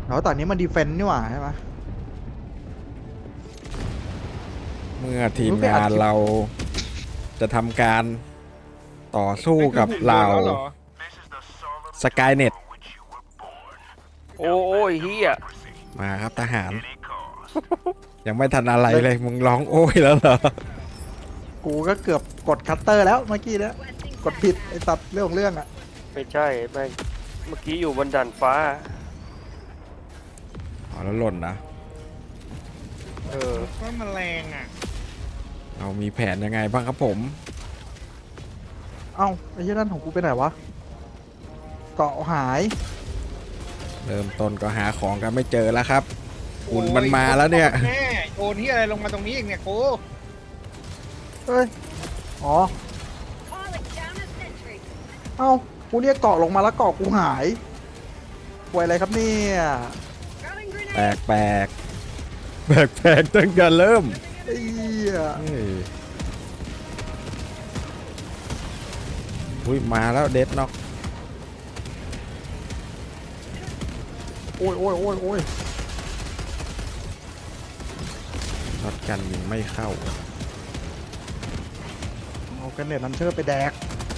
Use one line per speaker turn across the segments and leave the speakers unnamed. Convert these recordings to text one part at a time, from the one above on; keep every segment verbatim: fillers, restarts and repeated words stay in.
แล้วตอนนี้มันดีเฟนต์นี่หว่าใช่ไหม
เมื่อทีมงานเราจะทำการต่อสู้กับเหล่าสกายเน็ต
โอ้ยเฮีย
มาครับทหาร ยังไม่ทันอะไรเลยมึงร้องโอ้ยแล้วเหรอ
กูก็เกือบกดคัตเตอร์แล้วเมื่อกี้แล้วกดผิดไอ้ตัดเรื่องของเรื่องอ่ะ
ไม่ใช่แม่งเมื่อกี้อยู่บนด่านฟ้า
อ๋อแล้วหล่นนะ
เออ
ว่ามันแรงอ่ะ
เรามีแผนยังไงบ้างครับผม
เอ้าไอ้ยี่นั่นของกูไปไหนวะเกาะหาย
เริ่มต้นก็หาของกันไม่เจอแล้วครับอุ่นมันมาแล้วเนี่ย
แม่โอนที่อะไรลงมาตรงนี้อีกเนี่ยกู
เอ้ยอ๋อเอ้ากูเรียกเกาะลงมาแล้วเกาะกูหายป่วยอะไรครับเนี่ย
แปลกแปลกแปลกแปลกตั้งแต่เริ่ม
ไอ้เหี้ย
เฮ้ยอุ้ยมาแล้วเดดน็อก
โอ้ยโอ้ยโอ้ยโอ้ย
ช็อตกันยิงไม่เข้า
เอากันเน็ตนันเชอร์ไปแดก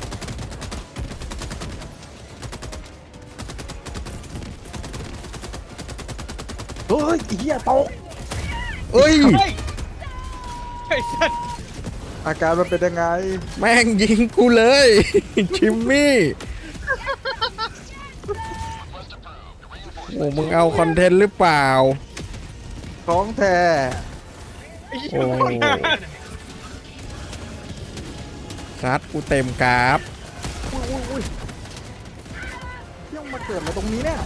เฮ้ยไอ้เหี้ยตก
เอ้ย
เฮ้ยไอ้สัตว์
อาการมันเป็นยังไง
แม่งยิงกูเลย ชิมมี่โอ้มึงเอาคอนเทนต์หรือเปล่า
ท้องแท้
ไอ้เหี้
โอ้
ย
ซัดกูเต็มกราฟ
อุ้ยอุ้ยอุ้ยยังมาเกิดอะไรตรงนี้เนี่ย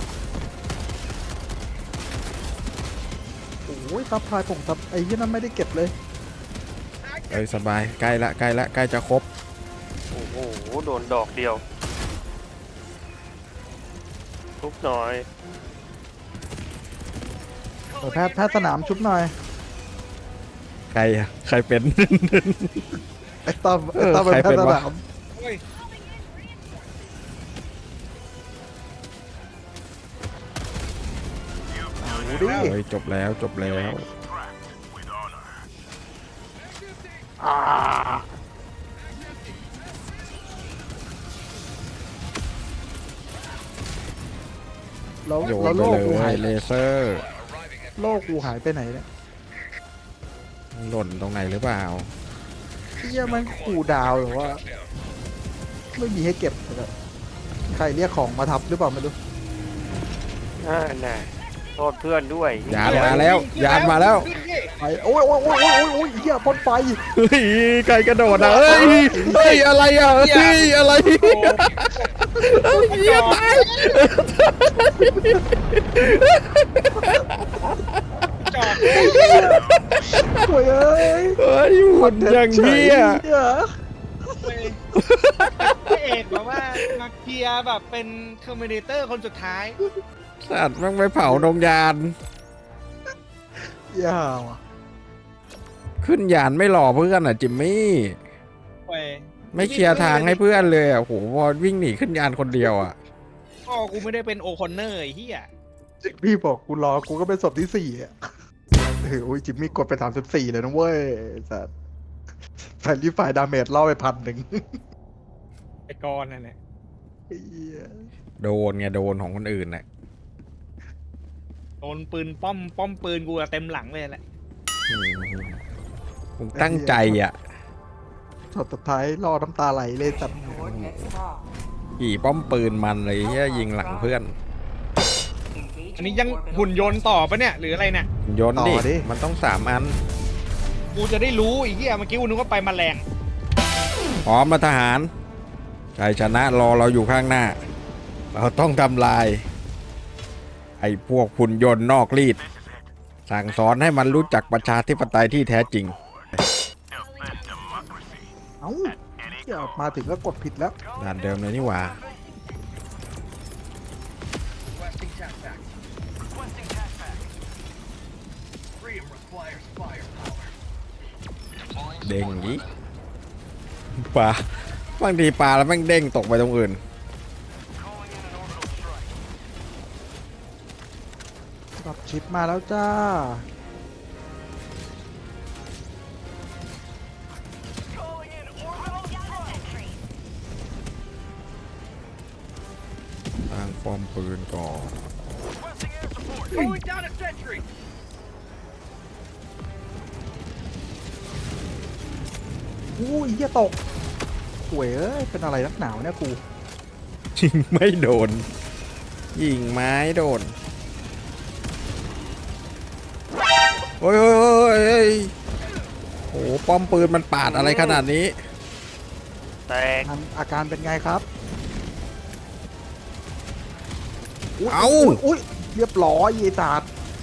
โอ้ยซับพลายผมซับไอ้ยี่นั่นไม่ได้เก็บเลย
เอ้ยสบายใกล้ละใกล้ละใกล้จะครบ
โอ้โหโดนดอกเดียวทุบหน่อย
เออแพทย์แพทย์สนามชุบหน่อย
ใครอะใครเป็น
ไอ้ต้อม
เอ
ไอ้
อ
ต้อมเป็น
ใคร
แพ
เป็
ท
น
ย์ส
วะ
นาม
เฮ้ย
ดูดิ
เฮ้ยจบแล้วจบแล้ว
อ่าแล้ว
โยน
แล้ว
ไป
โลก
เล
กูหาย
ยเลเซอร์
โลกกูหายไปไหนเนี่ย
หล่นตรงไหนหรือเปล่า
เฮียมันขู่ดาวหรือว่า ไม่มีให้เก็บแบบใครเรียกของมาทับหรือเปล่าไม่รู้
อ่าน่ะโทษเพื่อนด้วย
ยานมาแล้วยานมาแล้ว
ไปโอ้ยโอ้ยโอ้ยโอ้ยโอ้ยเฮียพ่นไฟ
เฮ้ยไก่กระโดดอ่ะเฮ้ยเฮ้ยอะไรอ่ะเฮ้ยอะไรเฮ้ยเหี้ยตาย
จอด
โอ้ยเอ้ย
เฮ้ยหุ่นอย่างเหี้ย
เหี้ย
เลยพระเอกแบบว่ามาเคลียร์แบบเป็นคอมเมดิเตอร์คนสุดท้าย
สัตว์แม่งไปเผาดงยาน
ยาวอ่ะ
ขึ้นยานไม่หล่อเพื่อนอ่ะจิมมี่
เว้ย
ไม่เคลียร์ทางให้เพื่อนเลยอ่ะโหพอวิ่งหนีขึ้นยานคนเดียวอ่ะ
พ่อกูไม่ได้เป็นโอคอนเนอร์ไอ้เหี้ย
พี่บอกกูรอกูก็เป็นศพที่สี่อ่ะเฮ้ยโอ้ยจิมมี่กดไปสามสิบสี่เลยนะเว้ยสัตว์แฟนรีไฟดาเมจล่อไปพันหนึ่ง
ไอ้กรนั่นแหละ
เหี้ย
โดนไงโดนของคนอื่นน่ะ
โดนปืนป้อมป้อมปืนกูอะเต็มหลังเลยแหละ
อืมมึงตั้งใจอ่ะ
ช็อตสุดท้ายล่อน้ำตาไหลเลยสัตว์
ขี่ป้อมปืนมันเลยเฮียยิงหลังเพื่อน
อันนี้ยังหุ่นยนต์ต่อปะเนี่ยหรืออะไรเนี่ย
โยนดิมันต้องสามอัน
กูจะได้รู้ไอ้เหี้ยเมื่อกี้กูนึกว่าไปแมลง
พร้อมมาทหารชัยชนะรอเราอยู่ข้างหน้า เราต้องทำลาย ไอ้พวกหุ่นยนต์นอกรีด สั่งสอนให้มันรู้จักประชาธิปไตยที่แท้จริง
เอ้าเหี้ยมาถึงก็กดผิดแล้ว
ด่านเดิมเลยนี่หว่า เด้งนี้ปลาบางทีปลาแล้วแม่งเด้งตกไปตรงอื่น
ดรอปชิปมาแล้วจ้า
ตั้งป้อมปืนก่อน
อู้ยเหี้ยตกหวยเอ้ย เป็นอะไรนักหนาวเนี่ยกู
ยิงไม่โดน ยิงไม้โดน โอ้ยโอ้ยโอ้ยโอ้ยโอ้โหป้อมปืนมันปาดอะไรขนาดนี้
แตก
อาการอาการเป็นไงครับย
เอ้า
ยอุ้ยเรียบร้อยยีตาด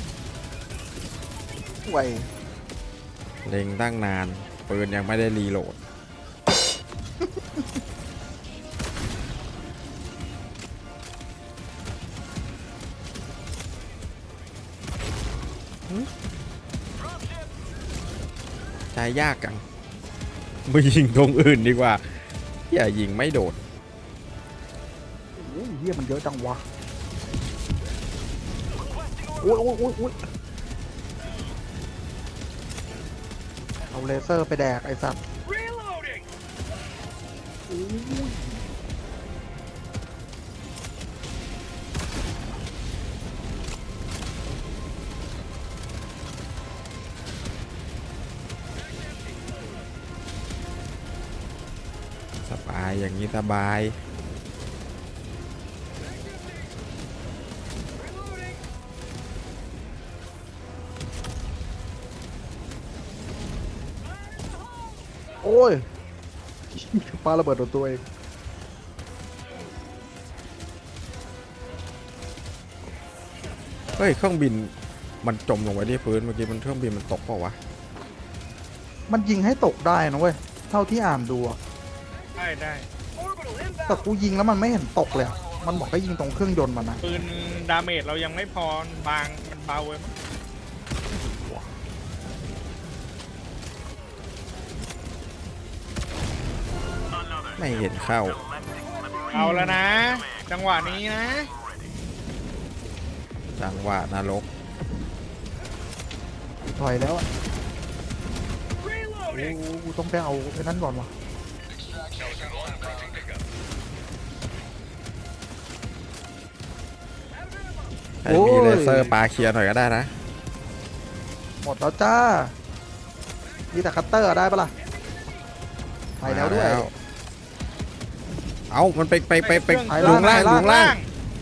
ห่วย
เล็งตั้งนาน ปืนยังไม่ได้รีโหลด ใจยากจังไปยิงตรงอื่นดีกว่า อย่ายิงไม่โดด
โอ้ยเฮียมันเยอะจังวะโอ้ยโอ้ยโอ้ยโอ้ยเอาเลเซอร์ไปแดกไอ้สัตว์โอ้ย
สบายอย่างนี้สบาย
โอ้ยปาระเบิดโดนตัวเอง
เฮ้ย เครื่องบินมันจมลงไปที่พื้นเมื่อกี้มันเครื่องบินมันตกเปล่าวะ
มันยิงให้ตกได้นะเว้ย เท่าที่อ่านดูอะ
ได้ได้
แต่กูยิงแล้วมันไม่เห็นตกเลยอะมันบอกให้ยิงตรงเครื่องยนต์มันนะ
ปืนดาเมจเรายังไม่พอบางมันเบาเว้ยมั้ง
ไม่เห็นเข้า
เอาแล้วนะ จังหวะนี้นะ
จังหวะนรก
ถอยแล้วอะโอ้กูต้องไปเอาไอ้นั่นก่อนวะ
ให้มีเลเซอร์ปาเคลียร์หน่อยก็ได้นะ
หมดแล้วจ้า มีแต่คัตเตอร์ได้ปะล่ะ ไปแล้วด้วย
มาเอามันไปไปไปไป
ไป
ลุงล่าง
ไปล่าง
ลุงล่าง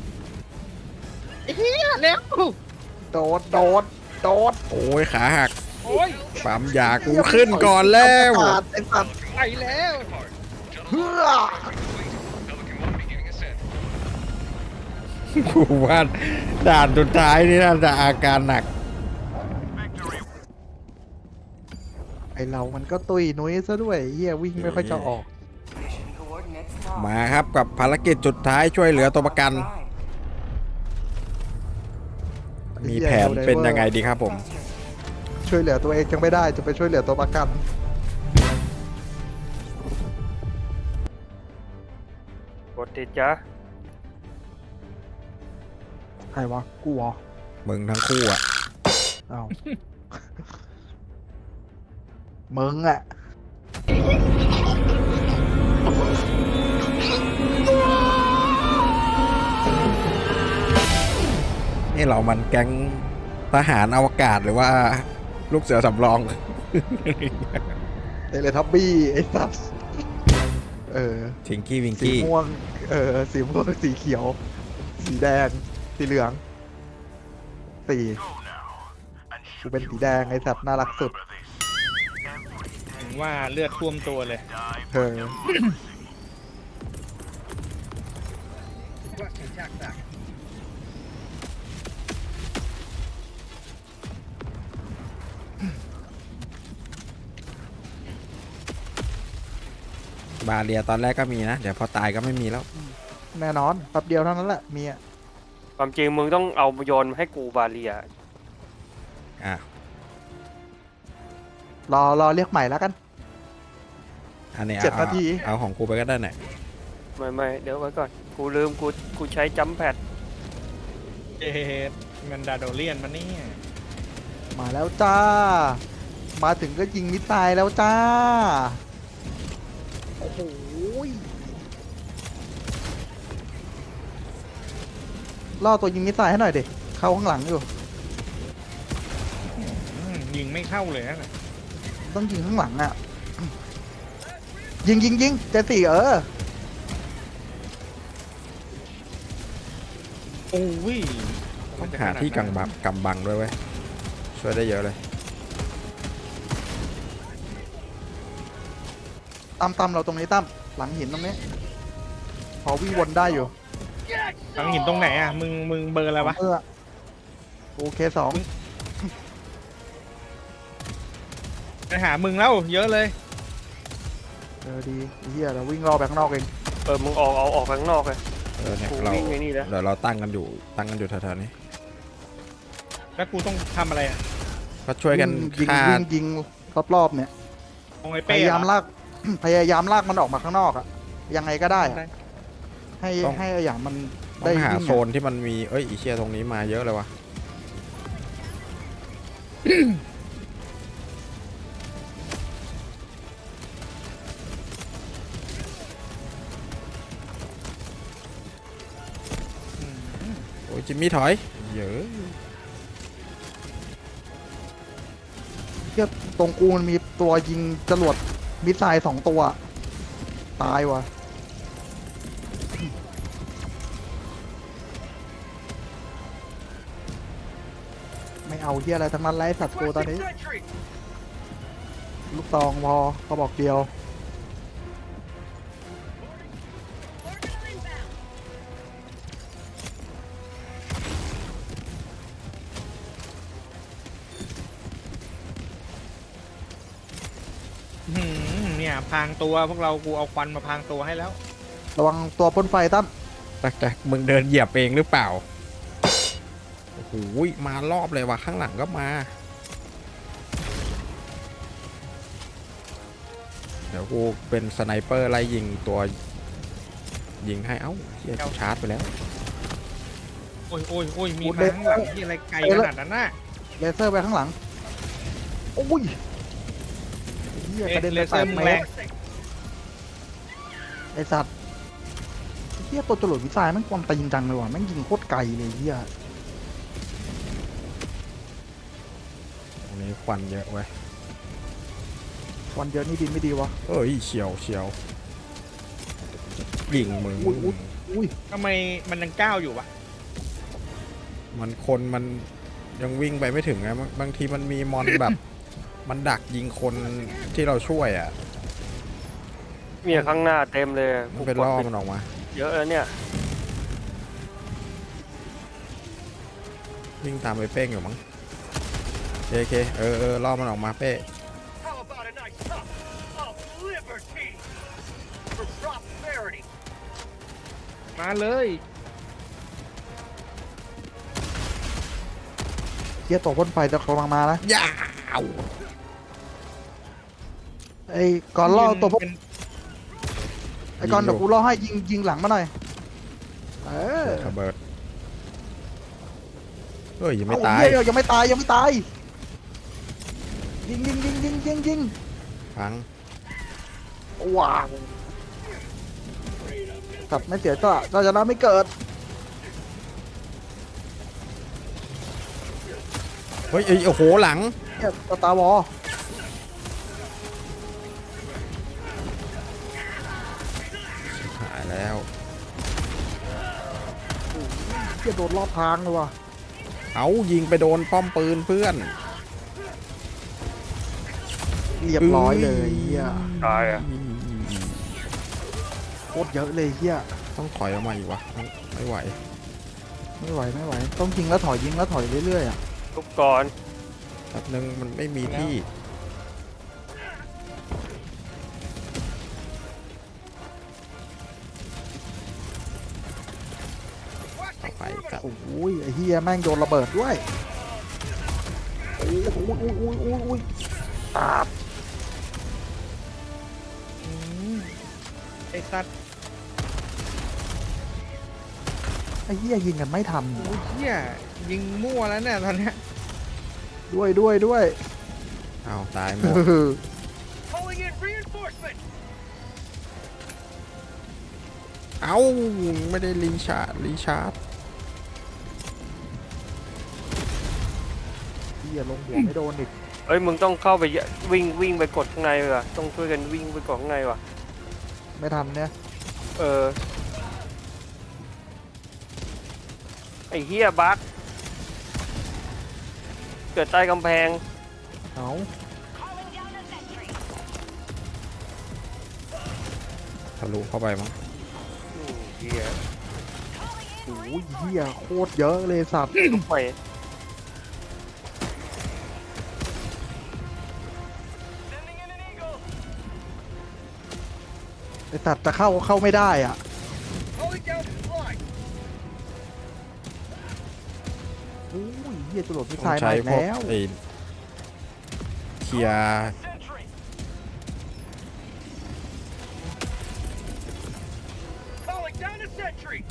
เฮียเร็ว
โดด โดด โดด
โอ้ยขาหัก
โอ้ย
ปั๊มยากูขึ้นก่อนแล้ว
ปาดไอ้สัตว์
ไปแล้ว
เพื่อ
กูว่าด่านสุดท้ายนี่น่าจะอาการหนัก
ไอเรามันก็ตุยนุ้ยซะด้วยเฮียวิ่งไม่ค่อยจะออก
มาครับกับภารกิจสุดท้ายช่วยเหลือตัวประกัน มีแผนเป็นยังไงดีครับผม
ช่วยเหลือตัวเองยังไม่ได้จะไปช่วยเหลือตัวประกัน
กดติดจ้ะ
ใครวะ กูเหรอ
มึงทั้งคู่อ่ะ
เอ้า มึงอะ
นี่เรามันแก๊งทหารอวกาศหรือว่าลูกเสือสำรอง
เทเลทับบี้ไอ้สัสเออ
ทิงกี้วิง
สี
กี้
ม่วง เออ สีม่วง สีเขียว สีแดง สีเหลือง สีกูเป็นสีแดงไอ้สัตว์น่ารักสุด
ถึงว่าเลือดท่วมตัวเลย
เออ
บาเรียตอนแรกก็มีนะ เดี๋ยวพอตายก็ไม่มีแล้ว
แน่นอนแป๊บเดียวเท่านั้นแหละ มีอะ
ความจริงมึงต้องเอาโยนให้กูบาเลีย
อ่ะ
รอรอเรียกใหม่แล้วกัน
อันนี้
เจ็ด
เอา
นาที
เอาของกูไปก็ได้หน่อย
ไม่ไม่เดี๋ยวไว้ก่อน กูลืมกูกูใช้จัมแพด
เอ็ดเงินดาโดเลียนมาเนี่ย
มาแล้วจ้า มาถึงก็ยิงมิสไซล์แล้วจ้า โอ้โหยล่อตัวยิงมิสไซล์ให้หน่อยดิเข้าข้างหลังอยู่
อืมยิงไม่เข้าเลยนะ
ต้องยิงข้างหลังอ่ะ ยิงยิงยิงเจสสี่เออ
โอ้ย
ต้องหาที่กังบังกำบังด้วยเว้ยช่วยได้เยอะเลย
ตามตามเราตรงนี้ตั้มหลังหินตรงนี้ พอวิ่งวนได้อยู่
หลังหินตรงไหนอ่ะมึงมึงเบอร์อะไรวะ
เออโอเคสอง
ไปหามึงแล้วเยอะเลย
เออดีไอ้เฮียเราวิ่งรอไปข้างนอกเอง
เออมึงออกเอาออกไปข้างนอกเลย
เออเนี่ย
กู
เรา
วิ่งไอ้นี่แล้ว
เดี๋ยวเราตั้งกันอยู่ตั้งกันอยู่แถวๆนี้
แล้วกูต้องทำอะไรอ่ะ
ก็ช่วยกัน
ยิง
ฆ่า
วิ่งยิงรอบๆเนี่ย
มองไอ้
พ
เป้
ยายาม
เหรอ
ลาก พยายามลากมันออกมาข้างนอกอะยังไงก็ได้อะ
ได้
ให้ให้ไอ้อย่างมัน
ต้
ได้
องหา
วิ่ง
โซนที่มันมีเอ้ยอีเชียตรงนี้มาเยอะเลยวะ โอ้ยจิมมี่ถอยเยอะ
เทียบตรงกูมันมีตัวยิงจรวดมิสไซล์สองตัว ตายว่ะ ไม่เอาเฮียอะไรทั้งนั้นไร้สัตว์กูตอนนี้ ลูกตองพอเขาบอกเดียว
หืมเนี่ยพรางตัวพวกเรากูเอาควันมาพรางตัวให้แล้ว
ระวังตัวพ่นไฟตั้ม
แต่แต่มึงเดินเหยียบเองหรือเปล่าโอ้โหมารอบเลยว่ะข้างหลังก็มา เดี๋ยวกูเป็นสไนเปอร์ไล่ยิงตัวยิงให้เอ้าเฮียชาร์จไปแล้ว
โอ้ยโอ้ยโอ้ยมีมาข้างหลังที่อะไรไกลขนาดนั้นน่ะ
เลเซอร์ไปข้างหลัง โอ้ยเฮียกระเด็น
เล
ไป
เซ
แป
อ
ด
ร์มึง
เม
แร
ต
ง
รไอสัตว์เฮียตัวจรวดวิสัยมันความตีนจังเลยว่ะแม่งยิงโคตรไกลเลยเฮีย
ตรงนี้ควันเยอะเว้ย
วันเดียวนี่ดินไม่ดีวะ
เอ้ยเฉียวเฉียวยิงมึง
อุ้ยอุ้ยอุ้ย
ทำไมมันยังก้าวอยู่วะ
มันคนมันยังวิ่งไปไม่ถึงไงบางบางทีมันมีมอนแบบ มันดักยิงคนที่เราช่วยอ่ะ
เนี่ยข้างหน้าเต็มเลย
มันเป็นล่อมันออกมา
เยอะแล้วเนี่ย
วิ่งตามไปเป้งอยู่มั้งโอเคโอเคเออเออล่อมันออกมาเป้
How about a nice cup of liberty for prosperity?
มาเลย
เฮียตัวพ่นไฟจะกำลังมานะ
ยาว
ไอ้ก่อนล่อตัวพวก
เป็น
ไอ้ก่อนเดี๋ยวกูล่อให้ยิงยิงหลังมาหน่อยเออ
ระเบิดเฮ้ยยังไม่
เอ้
ตาย
เหี้ยังไม่ตายยังไม่ตายยิงยิงยิงยิงยิงยิง
พัง
ว้าวกลับไม่เสียก็เราจะน่าไม่เกิด
เฮ้ยเอ้ยโอ้โหหลัง
เนี่ยสตาร์วอล
หายแล้ว
เฮียโดนรอบทางเลยว่ะ
เอายิงไปโดนป้อมปืนเพื่อน
เรียบร้อยเลยเฮีย
ตายอ่ะ
โคตรเยอะเลยเฮีย
ต้องถอยออกมาอีกวะไม่ไหว
ไม่ไหวไม่ไหวต้องยิงแล้วถอยยิงแล้วถอยเรื่อยๆอ่ะ
ทุกก่อน
แป๊บนึงมันไม่มีที่ต่อไปครับ
โอ้ยไอ้เฮียแม่งโดนระเบิดด้วยโอ้ยโอ้ยโอ้ยโอ้ยโอ้ยโอ้ยตาบ
อืมไอ้สัตว์
ไอ้เหี้ยยิงกันไม่ทัน
โอ้ยเหี้ยยิงมั่วแล้วเนี่ยตอนเนี้ย
ด้วยด้วยด้วย
เอาตายหมด
Calling in reinforcements.
เอาไม่ได้รีชาร์จรีชาร์จ
เหี้ยลงหัวไม่โดนอีก
เอ้ยมึงต้องเข้าไปวิ่งวิ่งไปกดข้างในว่ะต้องช่วยกันวิ่งไปกดข้างในว่ะ
ไม่ทันเนี่ย
เออไอ้เฮียบั๊กเกิดใต้กำแพง
เอา
ทะลุเข้าไปมั้ง
อืมเฮีย
โอ้ยเหี้ยโคตรเยอะเลยสัตว์
ลุกไป
Sending in an eagle.
ไอสัตว์จะเข้าเข้าไม่ได้อ่ะ
Calling down supply.
โอ้ยเหี้ยจรวดมิส
ต้
ไซ
อง
ล์
ใช้
มาอีก
พวก
แล้ว
ไอ้เคลียร์
Sentry. Calling down a sentry.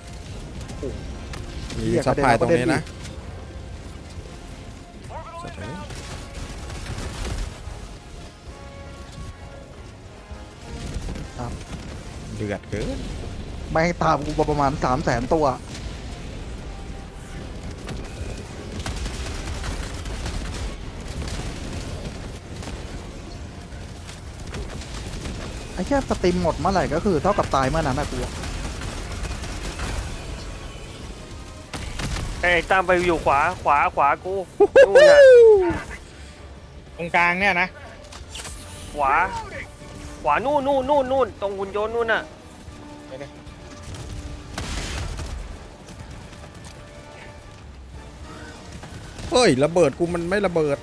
มีซัพพลายตรงนี้นะ
Orbital
สัตว์เอ้ย
inbound.
เดือดเกิน
แม่งตามกูประมาณสามแสนตัวไอ้แค่สตรีมหมดเมื่อไหร่ก็คือเท่ากับตายเมื่อนั้นนะกูอะ
ไอ้ตามไปอยู่ขวาขวาขวากูนู่นน่ะ
ตรงกลางเนี่ยนะ
ขวาขวานู่นนู่นนู่นนู่นตรงหุ่นยนต์นู่นน่ะ
เฮ้ยระเบิดกูมันไม่ระเบิด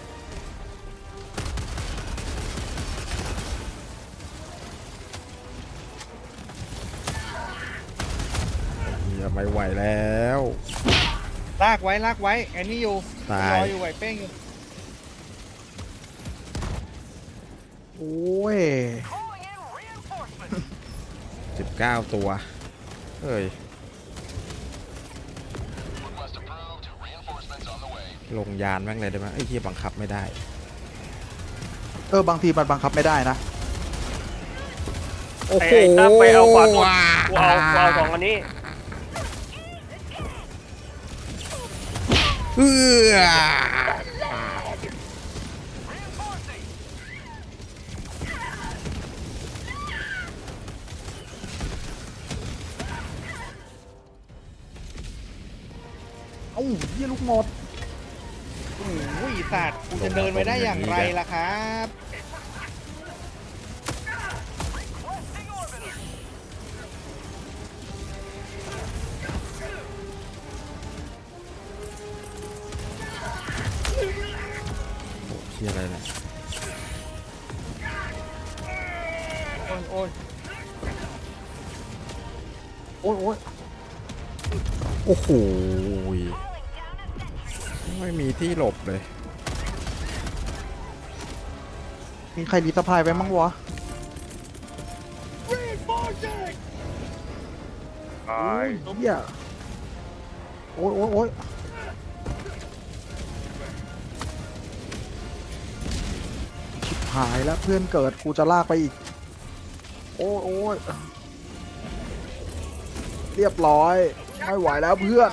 อย่าไม่ไหวแล้ว
ลากไว้ลากไว้ไอ้นี่อยู่
ตาย
รออยู่ไหวเป้งอยู่
โอ้ย
Calling in reinforcements.
สิบเก้าตัวเฮ้ย
Request approved. Reinforcements on the way.
ลงยานแม่งเลยได้ไหมไอ้ที่บังคับไม่ได้
เออบางทีมันบังคับไม่ได้นะ
โอ้
ไอ้
โห
ไอ้ตามไปเอาขวาตัวกูเอากูเอาสองอันนี้
เอื้อ
Reinforcing.
เอ้าเหี้ยลูกหมด
โอ้ยสัตว์กูจะเดินไปได้อย่างไรล่ะครับ
Requesting orbiter.
เฮียอะไรเนี่ย
โอ้ยโอ้ย
โอ้ยโอ้ย
โอ้โหไม่มีที่หลบเลย
มีใครรีสพายไปมั้งวะ
Reinforcing.
ตาย
เหี้ยโอ้ยโอ้ยโอ้ยชิบหายแล้วเพื่อนเกิดกูจะลากไปอีก โอ้ยโอ้ยเรียบร้อย ไม่ไหวแล้วเพื่อน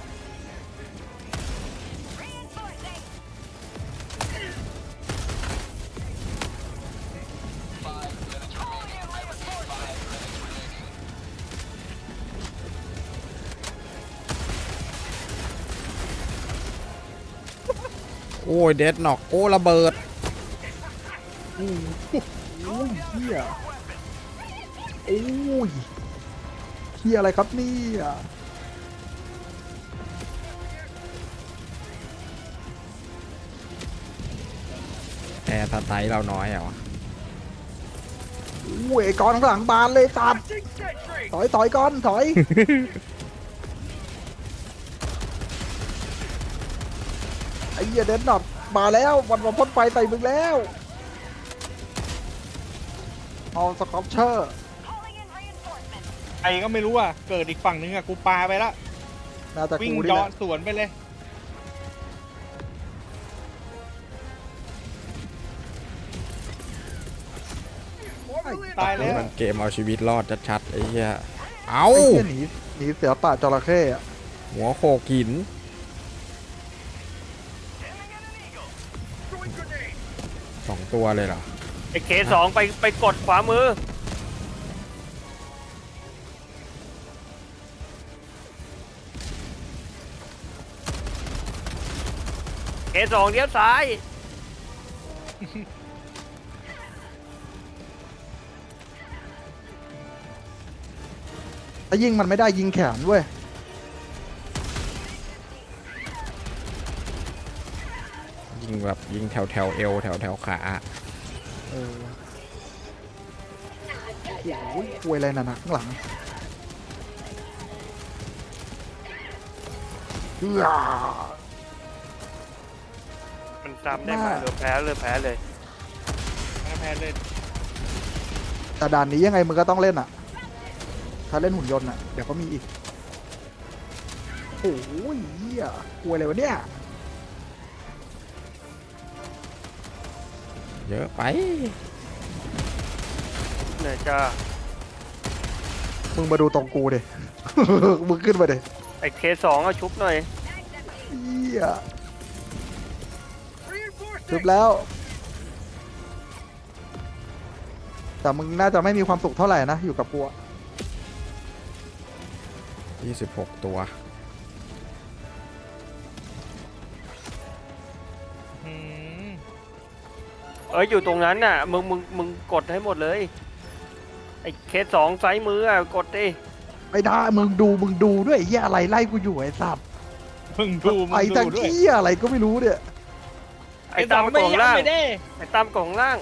โอ้ยเดดน็อกโอ้ระเบิด
โอ้ยเฮียโอ้ยเฮียอะไรครับเนี่ย
แอร์สไตล์เราน้อยเหรอ
โอ้ยไอ้กอนข้างหลังบานเลยตัด
Requesting sentry.
ถอยถอยก่อนถอย ไอ้เหี้ยเดนดอทมาแล้ววันมาพ่นไฟใส่มึงแล้วเอาสกอปเชอร์
ไอ้ก็ไม่รู้อ่ะ เกิดอีกฝั่งนึงอ่ะ กูปาไปละ
น่าจะ
วิ่ง
กูนี่แห
ย้อ
ละ
นสวนไปเลย ตายแล้
นี่
ว
มันเกมเอาชีวิตรอดชัดๆไอ้เหี้ยเอา
ไอ้เหี้ยหนีหนีเสือป่าจระเข้อะ
หัวโขกหิน
Throwing grenade.
สองตัวเลยเหรอ
ไอ้เคสองไปไปกดขวามือเคสองเลี้ยวซ้าย
ถ้ายิงมันไม่ได้ยิงแขนเว้ย
ยิงแบบยิงแถวแถวๆเอวแถวแถวๆขา
เออโอ้ยควยอะไรน่ะนะข้างหลังเอื้อ
มันซ้ำได้ไหมเหลือแพ้เหลือแพ้เลย
แพ้เลย
แต่ด่านนี้ยังไงมึงก็ต้องเล่นอ่ะ ถ้าเล่นหุ่นยนต์อ่ะ เดี๋ยวก็มีอีก โอ้ยเหี้ยควยอะไรวะเนี่ย
เยอะไป
เหนื่อยจ้า
มึงมาดูตรงกูดิ มึงขึ้นมาดิ
ไอ้เคสองเอาชุบหน่อย
เหี้ย
Reinforcing.
จบแล้ว แต่มึงน่าจะไม่มีความสุขเท่าไหร่นะ อยู่กับกูอะ
ยี่สิบหกตัว
อืม
เอ้ยอยู่ตรงนั้นน่ะมึงมึงมึงกดให้หมดเลยไอ้เคสสองซ้ายมืออ่ะกดดิ
ไม่ได้ มึงดู มึงดูด้วยไอ้เหี้ยอะไรไล่กูอยู่ไอ้สัตว์
มึงดูมึ
ไอ้
ง
ตัง
ดูด้วย
เหี้ยอะไรก็ไม่รู้เนี่ย
ไอ้ตามกล่องล่าง
ไม่ได้
ไอ้ตามกล่องล่าง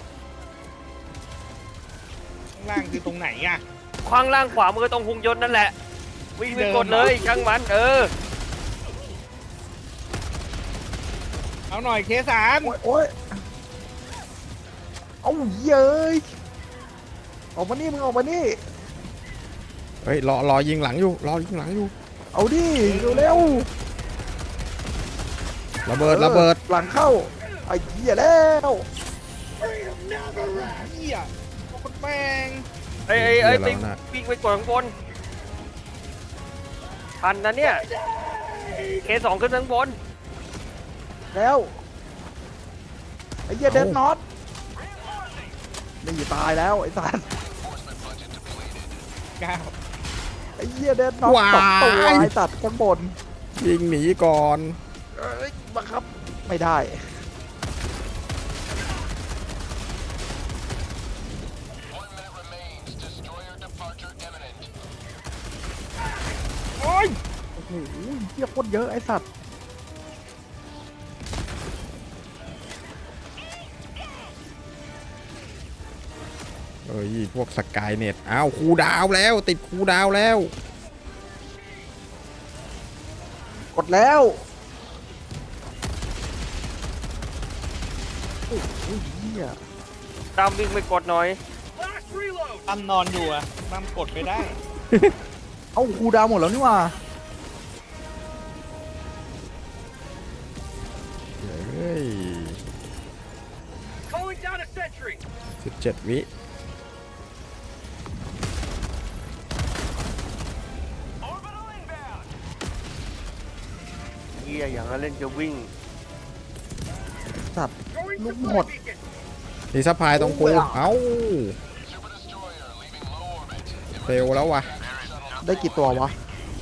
ข้างล่างคือตรงไหนอ่ะ
ข้างล่างขวามือตรงหุงยนต์นั่นแหละวิ่งไปกดเลยช่างมันเออ
เอาหน่อยเคสาม
โอ้ยโอ้ยเอาเย้ยออกมานี่มึงออกมานี่
เฮ้ยรอรอยิงหลังอยู่รอยิงหลังอยู่
เอาดิเร็ว
ระ
ๆ
เบิดระเบิด
หลังเข้าไอ้เหี้ยแล้ว
เหี้ยโคตรแม่ง
ไอ้ไอ้ไอ้ไป
เดี๋ยวเราน่ะ
วิ่งไปกดข้างบนทันนะเนี่ยเคสองขึ้นข้างบน
แล้วไอ้เหี้ยเดนน็อตนี่ตายแล้วไอ้สัส
ก้าว
ไอ้เหี้ยเดนน็อตสองตัวไอ้สัตว์ข้างบน
ยิงหนีก่อน
เอ้ยบังคับไม่ได้
One minute remains. Destroyer departure imminent.
โอ้ยโอ้โหเหี้ยโคตรเยอะไอ้สัตว์
เอ้ยพวกสกายเน็ตอ้าวคูลดาวน์แล้วติดคูลดาวน์แล้ว
กดแล้วโอ้โหเหี้ย
ตามวิ่งไปกดหน่อย
Last reload.
ตั้มนอนอยู่อ่ะตั้มกดไม่ได้
เอาครูดาวหมดแล้วนี่หว่า
เฮ้ย
Calling down a sentry.
สิบเจ็ดวิ
Orbital inbound.
เฮียอย่างนั้นเล่นจะวิ่ง
สัตว์
Throwing
Lúc
supply
một.
beacon.
มีซัพพลายตรงกู
โอ้ย
เอ้า
Super destroyer leaving low orbit.
เฟลแล้ววะ
ได้กี่ตัววะ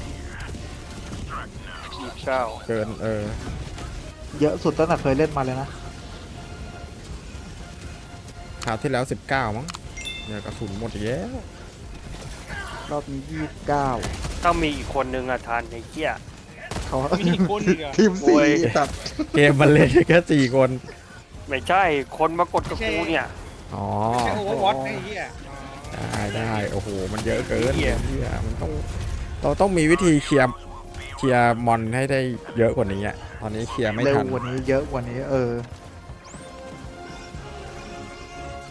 ยี่สิบเก้า
เกินเออ
เยอะสุดตั้งแต่เคยเล่นมาเลยนะ
คราวที่แล้วสิบเก้ามั้งเนี่ยกระสุนหมดอีกแล้ว
รอบนี้ยี่สิบเก้า
ถ้ามีอีกคนนึงอะทันไอ้เหี้ย
เขา
มีอีกคนอีกเหรอ
ทีม
โอ้
สี่
ย
สัตว์
เกมมันเล่นแค่สี่คน
ไม่ใช่คนมากดกับกูเนี่ย
อ๋อ
ไม่ใช่โอเวอร์วอตไอ้เหี้ยอ๋อ
ได้ได้โอ้โหมันเยอะเกิน
เหี้ย
เหี้ยมันต้องเราต้องมีวิธีเคลียร์เคลียร์มอนให้ได้เยอะกว่านี้อ่ะตอนนี้เคลียร์ไม่
เร็ว
ทัน
กว่านี้เยอะกว่านี้ เออ
เ